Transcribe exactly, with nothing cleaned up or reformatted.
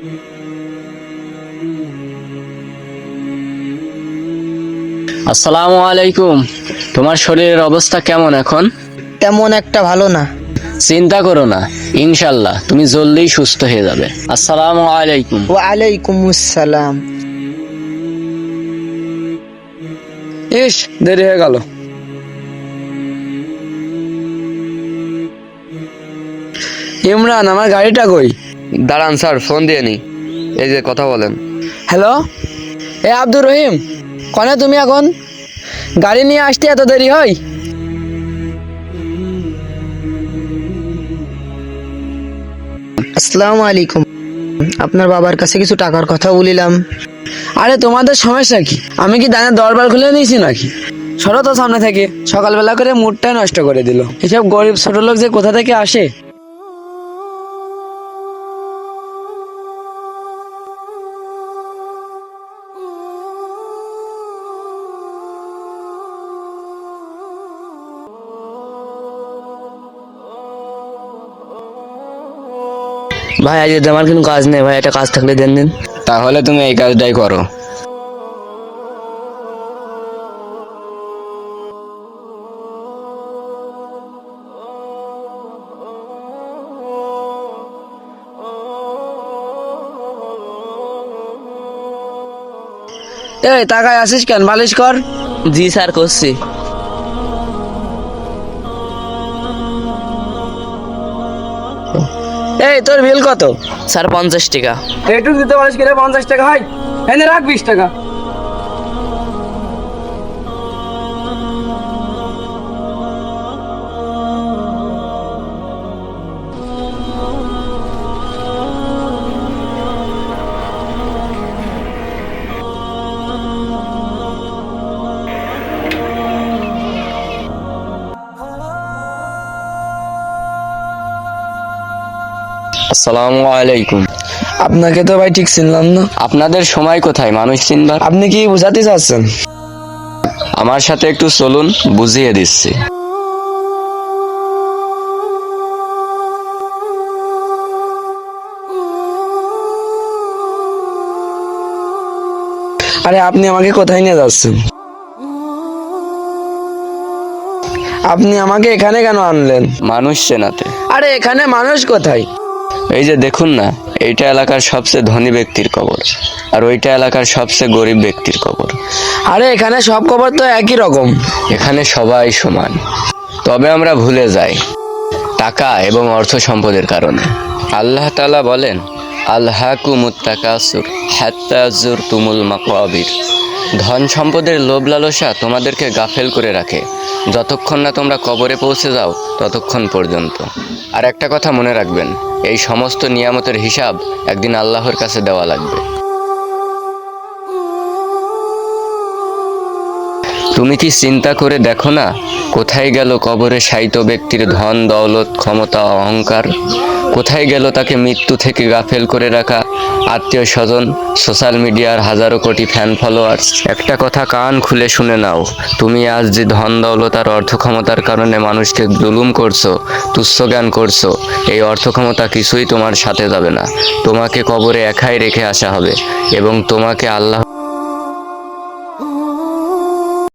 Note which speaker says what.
Speaker 1: আসসালামু আলাইকুম। তোমার শরীরের অবস্থা কেমন এখন?
Speaker 2: তেমন একটা ভালো না।
Speaker 1: চিন্তা করো না, ইনশাল্লাহ তুমি জলদি সুস্থ হয়ে যাবে। আসসালামু আলাইকুম।
Speaker 2: ওয়ালাইকুম আসসালাম।
Speaker 1: ইস, দেরি হয়ে গেল। ইমরান, আমার গাড়িটা কই?
Speaker 3: দাঁড়ান স্যার, ফোন দিয়ে নি। এই যে কথা বলেন।
Speaker 1: হ্যালো, এ আব্দুর রহিম, কনে তুমি এখন? গাড়ি নিয়ে আসতে এত দেরি হয়?
Speaker 2: আসসালামু আলাইকুম। আপনার বাবার কাছে কিছু টাকার কথা বলিলাম।
Speaker 1: আরে তোমাদের সমস্যা কি? আমি কি দানের দরবার খুলে নিয়েছি নাকি? সরো তো সামনে থেকে, সকালবেলা করে মুডটাই নষ্ট করে দিল। এসব গরিব ছোট লোক যে কোথা থেকে আসে।
Speaker 3: ভাই আজ আমার কিন্তু কাজ নেই ভাই, একটা কাজ থাকলে দেন দিন।
Speaker 1: তাহলে তুমি এই কাজটাই করো। এই টাকায় আসিস কেন? বালিশ কর।
Speaker 3: জি স্যার, করছি।
Speaker 1: এই তোর বিল কত?
Speaker 3: স্যার পঞ্চাশ টাকা।
Speaker 1: একটু দিতে পারিস কিনা? পঞ্চাশ টাকা হয়, এনে রাখ বিশ টাকা।
Speaker 3: আসসালামু আলাইকুম।
Speaker 1: আপনাকে তো ভাই ঠিক চিনলাম না।
Speaker 3: আপনাদের সময় কোথায় মানুষ চিনবার?
Speaker 1: আপনি কি বোঝাতে চাচ্ছেন?
Speaker 3: আমার সাথে একটু চলুন, বুঝিয়ে দিচ্ছি।
Speaker 1: আরে আপনি আমাকে কোথায় নিয়ে যাচ্ছেন? আপনি আমাকে এখানে কেন আনলেন?
Speaker 3: মানুষ চেনাতে।
Speaker 1: আরে এখানে মানুষ কোথায়?
Speaker 3: এই যে দেখুন না, এইটা এলাকার সবচেয়ে ধনী ব্যক্তির কবর, আর ওইটা এলাকার সবচেয়ে গরিব ব্যক্তির কবর।
Speaker 1: আরে এখানে সব খবর তো একই রকম।
Speaker 3: এখানে সবাই সমান, তবে আমরা ভুলে যাই টাকা এবং অর্থ সম্পদের কারণে। আল্লাহ তাআলা বলেন, আলহাকুমুত তাকাসুর হাত্তা যুরতুমুল মাকাবির। ধন সম্পদের লোভ লালসা তোমাদেরকে গাফেল করে রাখে, যতক্ষণ না তোমরা কবরে পৌঁছে যাও ততক্ষণ পর্যন্ত। আর একটা কথা মনে রাখবেন, এই সমস্ত নিয়ামতের হিসাব একদিন আল্লাহর কাছে দেওয়া লাগবে। তুমি কি চিন্তা করে দেখো না, কোথায় গেল কবরে শায়িত ব্যক্তির ধন দৌলত ক্ষমতা অহংকার? কোথায় গেল তাকে মৃত্যু থেকে গাফেল করে রাখা আত্মীয় স্বজন, সোশ্যাল মিডিয়ার হাজারো কোটি ফ্যান ফলোয়ার্স? একটা কথা কান খুলে শুনে নাও, তুমি আজ যে ধন দৌলত আর অর্থ ক্ষমতার কারণে মানুষকে জুলুম করছো, তুচ্ছ জ্ঞান করছো, এই অর্থ ক্ষমতা কিছুই তোমার সাথে যাবে না। তোমাকে কবরে একাই রেখে আসা হবে এবং তোমাকে আল্লাহ